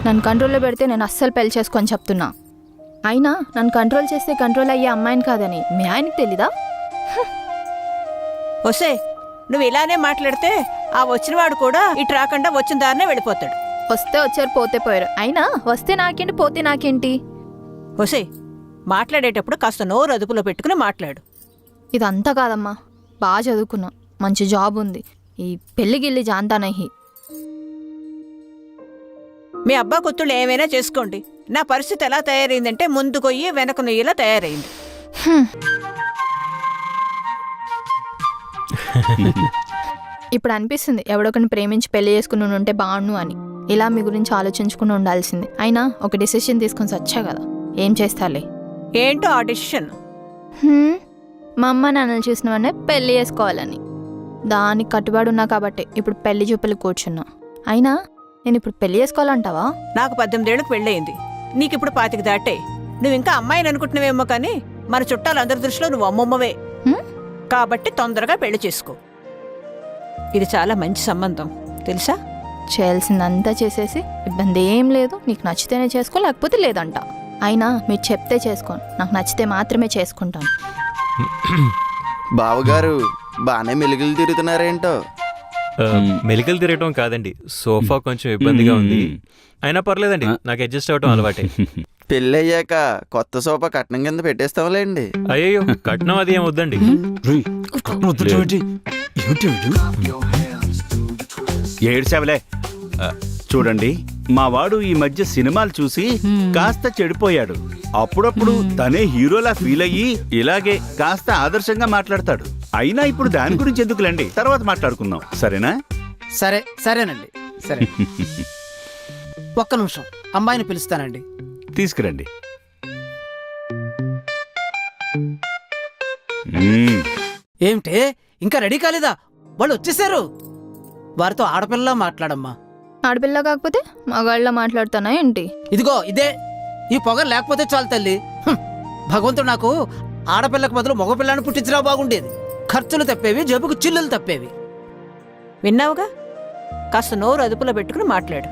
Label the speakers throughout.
Speaker 1: నన్ను కంట్రోల్లో పెడితే నేను అస్సలు పెళ్లి చేసుకొని చెప్తున్నా. అయినా నన్ను కంట్రోల్ చేస్తే కంట్రోల్ అయ్యే అమ్మాయిని కాదని మీ ఆయనకి తెలీదా?
Speaker 2: వసే నువ్వు ఇలానే మాట్లాడితే ఆ వచ్చినవాడు కూడా ఇటు రాకుండా వచ్చిన దారినే వెళ్ళిపోతాడు.
Speaker 1: వస్తే వచ్చారు, పోతే పోయారు. అయినా వస్తే నాకేంటి, పోతే నాకేంటి?
Speaker 2: వసే మాట్లాడేటప్పుడు కాస్త నోరు అదుపులో పెట్టుకుని మాట్లాడు.
Speaker 1: ఇదంతా కాదమ్మా, బాగా చదువుకున్నా, మంచి జాబ్ ఉంది. ఈ పెళ్లి గిల్లి జాంతానహి.
Speaker 2: మీ అబ్బా కొత్తుళ్ళు ఏమైనా చేసుకోండి, నా పరిస్థితి ఎలా తయారైందంటే ముందు కొయ్యి వెనక నొయ్యిలా తయారైంది.
Speaker 1: ఇప్పుడు అనిపిస్తుంది ఎవడొకరిని ప్రేమించి పెళ్లి చేసుకుని ఉంటే బాగుండు అని. ఇలా మీ గురించి ఆలోచించుకుని ఉండాల్సింది. అయినా ఒక డిసిషన్ తీసుకొని వచ్చా కదా, ఏం చేస్తాలే.
Speaker 2: ఏంటో ఆ డిసిషన్?
Speaker 1: మా అమ్మ నాన్నలు చూసిన వాడినే పెళ్లి చేసుకోవాలని, దానికి కట్టుబడి ఉన్నా కాబట్టి ఇప్పుడు పెళ్లి చూపులు కూర్చున్నా. అయినా నేను ఇప్పుడు పెళ్లి చేసుకోవాలంటావా?
Speaker 2: నాకు 18 ఏళ్ళకు పెళ్ళయింది, నీకు ఇప్పుడు 25 దాటే. నువ్వు ఇంకా అమ్మాయిని అనుకుంటున్నావేమో కానీ మన చుట్టాలందరి దృష్టిలో నువ్వు అమ్మమ్మవే. కాబట్టి తొందరగా పెళ్లి చేసుకో. ఇది చాలా మంచి సంబంధం తెలుసా.
Speaker 1: చేయాల్సిందంతా చేసేసి ఇబ్బంది ఏం లేదు, నీకు నచ్చితేనే చేసుకో, లేకపోతే లేదంట. అయినా మీరు చెప్తే చేసుకోను, నాకు నచ్చితే మాత్రమే చేసుకుంటాను.
Speaker 3: బావగారు బాగానే మెలుగులు తిరుగుతున్నారేంటో.
Speaker 4: మెలికలు తిరగటం కాదండి, సోఫా కొంచెం ఇబ్బందిగా ఉంది. అయినా పర్లేదండి, నాకు అడ్జస్ట్ అవటం అలవాటే.
Speaker 3: పెళ్ళి అయ్యాక కొత్త సోఫా కట్నం కింద పెట్టేస్తాంలేండి.
Speaker 4: అయ్యో కట్నం అది ఏం వద్దండి.
Speaker 5: ఏడ్చావులే. చూడండి, మా వాడు ఈ మధ్య సినిమాలు చూసి కాస్త చెడిపోయాడు. అప్పుడప్పుడు తనే హీరోలా ఫీల్ అయ్యి ఇలాగే కాస్త ఆదర్శంగా మాట్లాడతాడు. అయినా ఇప్పుడు దాని గురించి ఎందుకులేండి, తర్వాత మాట్లాడుకుందాం, సరేనా?
Speaker 6: సరేనండి. సరే. ఒక్క నిమిషం, అమ్మాయిని పిలుస్తానండి.
Speaker 5: తీసుకురండి.
Speaker 6: ఏమిటే ఇంకా రెడీ కాలేదా? వాళ్ళు వచ్చేసారు. వారితో ఆడపిల్లలా మాట్లాడమ్మా.
Speaker 1: ఆడపిల్ల కాకపోతే మగాళ్ళ మాట్లాడుతానా ఏంటి?
Speaker 6: ఇదిగో ఇదే, ఈ పొగ లేకపోతే చాలు తల్లి. భగవంతుడు నాకు ఆడపిల్లకు బదులు మగపిల్లని పుట్టించినా బాగుండేది. ఖర్చులు తప్పేవి, జబ్బుకు చిల్లులు తప్పేవి.
Speaker 2: విన్నావుగా, కాస్త నోరు అదుపులో పెట్టుకుని మాట్లాడు.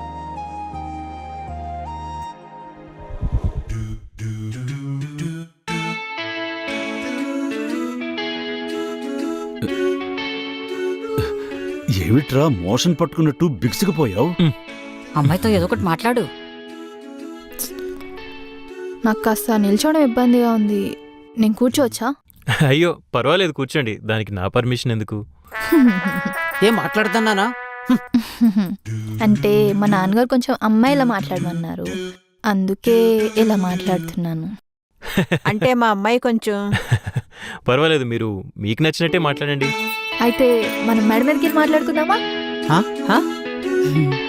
Speaker 5: ఏమిట్రా మోషన్ పట్టుకున్నట్టు బిగుసుకుపోయావు?
Speaker 7: అమ్మాయితో ఏదో ఒకటి మాట్లాడు.
Speaker 1: నాకు కాస్త నిల్చోవడం ఇబ్బందిగా ఉంది, నేను కూర్చోవచ్చా?
Speaker 4: అయ్యో పర్వాలేదు, కూర్చోండి, దానికి నా పర్మిషన్ ఎందుకు?
Speaker 6: ఏం మాట్లాడుతున్నానా?
Speaker 1: అంటే మా నాన్నగారు కొంచెం అమ్మాయిలా మాట్లాడమన్నారు, అందుకే ఇలా మాట్లాడుతున్నాను.
Speaker 2: అంటే మా అమ్మాయి కొంచెం
Speaker 4: పర్వాలేదు, మీరు మీకు నచ్చినట్టే మాట్లాడండి.
Speaker 1: అయితే మనం మేడ మీదకి మాట్లాడుకుందామా?
Speaker 6: హా?